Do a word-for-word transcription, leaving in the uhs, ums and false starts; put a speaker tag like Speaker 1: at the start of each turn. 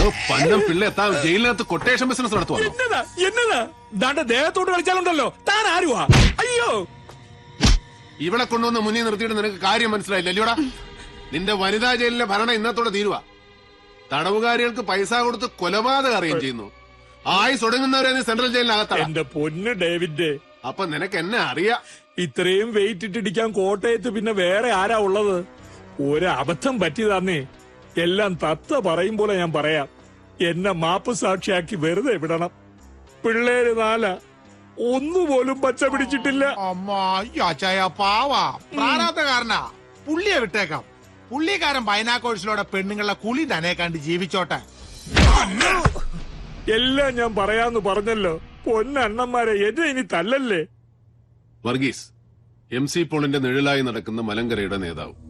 Speaker 1: പന്നം പിള്ള എത്താ ജയിലിനകത്ത് quotation business നടത്തുവാ.
Speaker 2: എന്നതാ എന്നതാ ദാണ്ട ദേഹത്തോട്ട് കളിച്ചാലുണ്ടല്ലോ താൻ ആരുവാ? അയ്യോ,
Speaker 1: ഇവിടെ കൊണ്ടുവന്ന് മുന്നിൽ നിർത്തിയിട്ട് നിനക്ക് കാര്യം മനസ്സിലായില്ല അല്ലയോടാ? നിന്റെ വനിതാ ജയിലിലെ ഭരണം ഇന്നത്തോടെ തീരുവാ. തടവുകാരികൾക്ക് പൈസ കൊടുത്ത് കൊലപാതകം അറിയുകയും ചെയ്യുന്നു. ആയുസ് ഒടുങ്ങുന്നവരെ നീ സെൻട്രൽ ജയിലിനകത്താണ്.
Speaker 2: എന്റെ പൊന്ന് ഡേവിഡ്,
Speaker 1: അപ്പൊ നിനക്ക് എന്നെ അറിയാം.
Speaker 2: ഇത്രയും വെയിറ്റ് ഇട്ടിടിക്കാൻ കോട്ടയത്ത് പിന്നെ വേറെ ആരാ ഉള്ളത്? ഒരബദ്ധം പറ്റിയതാന്നേ. എല്ലാം തത്ത പറയും പോലെ ഞാൻ പറയാം. എന്നെ മാപ്പ് സാക്ഷിയാക്കി വെറുതെ വിടണം. പിള്ളേര് നാല ഒന്നുപോലും പച്ച പിടിച്ചിട്ടില്ല.
Speaker 3: അമ്മാച്ചായ പാവാ പ്രാരാബ്ധകാരനാ. പുള്ളിയെ വിട്ടേക്കാം. പുള്ളിക്കാരൻ ബൈനാക്കോഴ്സിലൂടെ പെണ്ണുങ്ങളെ കുളി തന്നെ കണ്ട് ജീവിച്ചോട്ടെ.
Speaker 2: എല്ലാം ഞാൻ പറയാന്ന് പറഞ്ഞല്ലോ. പൊന്നണ്ണന്മാരെ എന്നെ ഇനി തല്ലല്ലേ.
Speaker 1: വർഗീസ് എം സി പോളിന്റെ നിഴലായി നടക്കുന്ന മലങ്കരയുടെ നേതാവ്.